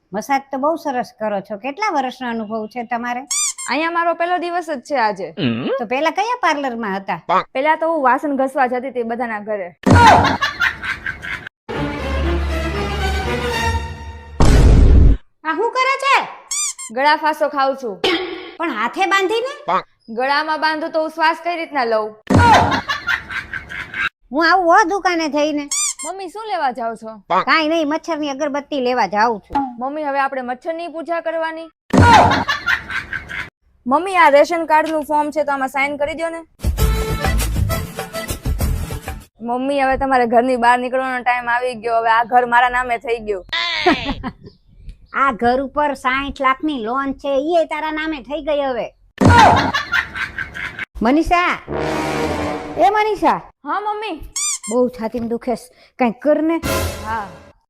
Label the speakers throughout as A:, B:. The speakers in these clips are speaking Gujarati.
A: મસાજ તો બહુ સરસ કરો છો. કેટલા વર્ષનો અનુભવ છે તમારે?
B: અહીંયા મારો પહેલો દિવસ જ છે આજે.
A: તો પેલા કયા પાર્લરમાં હતા?
B: પેલા તો હું વાસણ ઘસવા જતી હતી બધાના ઘરે.
A: આ શું કરે છે?
B: ગળા ફાંસો ખાઉં છું.
A: પણ હાથે બાંધીને?
B: ગળામાં બાંધું તો હું શ્વાસ કઈ રીતના લઉં?
A: હું આવું હો દુકાને જઈને.
B: મમ્મી શું લેવા જાવ છો?
A: કાઈ નહીં, મચ્છરની અગરબત્તી લેવા જાઉં છું.
B: મમ્મી હવે આપણે મચ્છરની પૂજા કરવાની. મમ્મી આ રેશન કાર્ડ નું ફોર્મ છે તો આમાં સાઈન કરી દો ને. મમ્મી હવે તમારે ઘરની બહાર નીકળવાનો ટાઈમ આવી ગયો. હવે આ ઘર મારા નામે થઈ ગયું.
A: આ ઘર ઉપર 60 લાખની લોન છે, ઈ તારા નામે થઈ ગઈ હવે. મનીષા, એ મનીષા.
B: હા મમ્મી.
A: બહુ છાતીમાં દુખે છે, કઈક કર ને.
B: હા.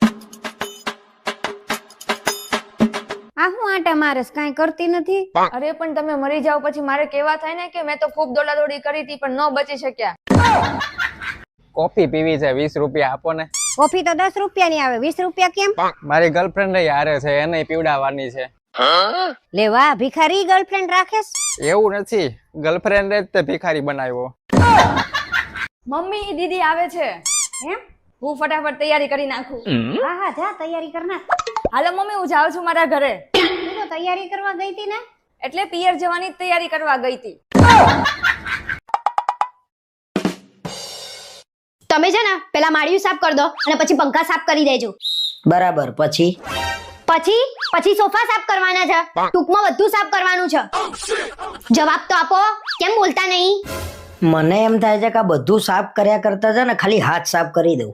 A: આ હું આટા મારેસ, કાઈ કરતી નથી?
B: અરે પણ તમે મરી જાવ પછી મારે કેવા થાય ને કે મેં તો ખૂબ દોડાદોડી કરી હતી પણ ન બચી શક્યા.
C: કોફી પીવી છે, 20 રૂપિયા આપો ને.
A: કોફી તો 10 રૂપિયાની આવે, 20 રૂપિયા કેમ?
C: મારી ગર્લફ્રેન્ડ હારે છે, એને પીવડાવવાની છે.
A: લે વાહ, ભિખારી ગર્લફ્રેન્ડ રાખેસ?
C: એવું નથી, ગર્લફ્રેન્ડ જ તે ભિખારી બનાવ્યો.
B: મમ્મી દીદી આવે છે.
A: એમ?
B: હું ફટાફટ તૈયારી કરી નાખું.
A: હા હા, જા તૈયારી કર નાખ.
B: હાલો મમ્મી, હું જાઉં છું મારા ઘરે.
A: તું તો તૈયારી કરવા ગઈ હતી ને?
B: એટલે પિયર જવાની તૈયારી કરવા ગઈ હતી.
D: તમે છે ને પેલા માળિયું સાફ કરી દો અને પછી પંખા સાફ કરી દેજો.
E: બરાબર. પછી
D: પછી સોફા સાફ કરવાના છે. ટૂંકમાં બધું સાફ કરવાનું છે. જવાબ તો આપો, કેમ બોલતા નહીં?
E: મને એમ થાય છે કે આ બધું સાફ કર્યા કરતા છે ને ખાલી હાથ સાફ કરી દઉં.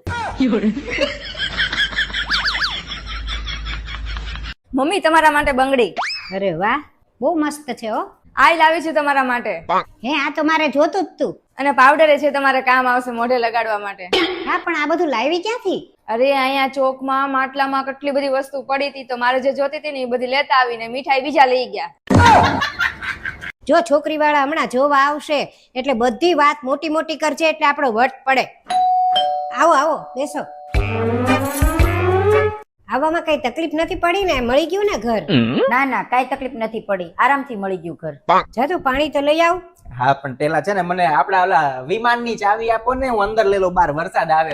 B: મમ્મી તમારા માટે બંગડી.
A: અરે વાહ, બહુ મસ્ત છે હો.
B: આઈ લાવી છું તમારા માટે.
A: હે, આ તો મારે જોતું જ તું.
B: અને પાવડર છે તમારે કામ આવશે મોઢે લગાડવા માટે.
A: હા, પણ આ બધું લાવી ક્યાંથી?
B: અરે અહીંયા ચોકમાં માટલામાં કેટલી બધી વસ્તુ પડી હતી તો મારે જે જોતી હતી ને એ બધી લેતા આવીને મીઠાઈ બીજા લઈ ગયા.
A: જો છોકરી વાળા હમણાં જોવા આવશે એટલે બધી વાત મોટી મોટી કરજે એટલે આપણો વટ પડે. આવો આવો, બેસો. આવવામાં કઈ તકલીફ નથી પડી ને? મળી ગયું ને ઘર?
F: ના ના, કઈ તકલીફ નથી પડી, આરામથી મળી ગયું ઘર.
A: જા તું પાણી તો લઈ આવ.
C: હા, પણ પેલા છે ને મને આપડા ઓલા વિમાનની ચાવી આપો ને, હું અંદર લઈ લઉં, બહાર વરસાદ આવે.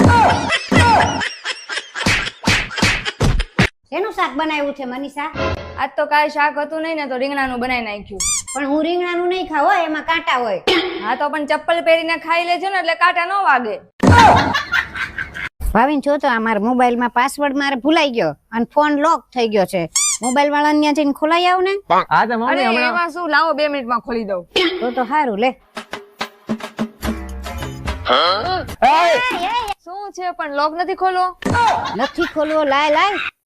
A: શેનું શાક બનાવ્યું છે મનીષા?
B: આજ તો કાંઈ શાક હતું નહીં ને તો રીંગણાનું બનાવી નાખ્યું.
A: પણ હું રીંગણાનું નહીં ખાવ હો, એમાં કાંટા હોય.
B: હા તો પણ ચપ્પલ પહેરીને ખાઈ લેજો ને એટલે કાંટા ન વાગે.
A: ભાવિન જો તો આ મારા મોબાઈલમાં પાસવર્ડ મારે ભૂલાઈ ગયો અને ફોન લોક થઈ ગયો છે. મોબાઈલ વાળાને ત્યાં જઈને ખોલાઈ આવ ને.
C: હા તો
B: અરે
C: મમ્મી હમણાં
B: એમાં શું, લાવો 2 મિનિટમાં ખોલી દઉં.
A: તો સારું, લે.
B: શું છે પણ લોક નથી ખોલો?
A: નથી ખોલવો, લાય લાય.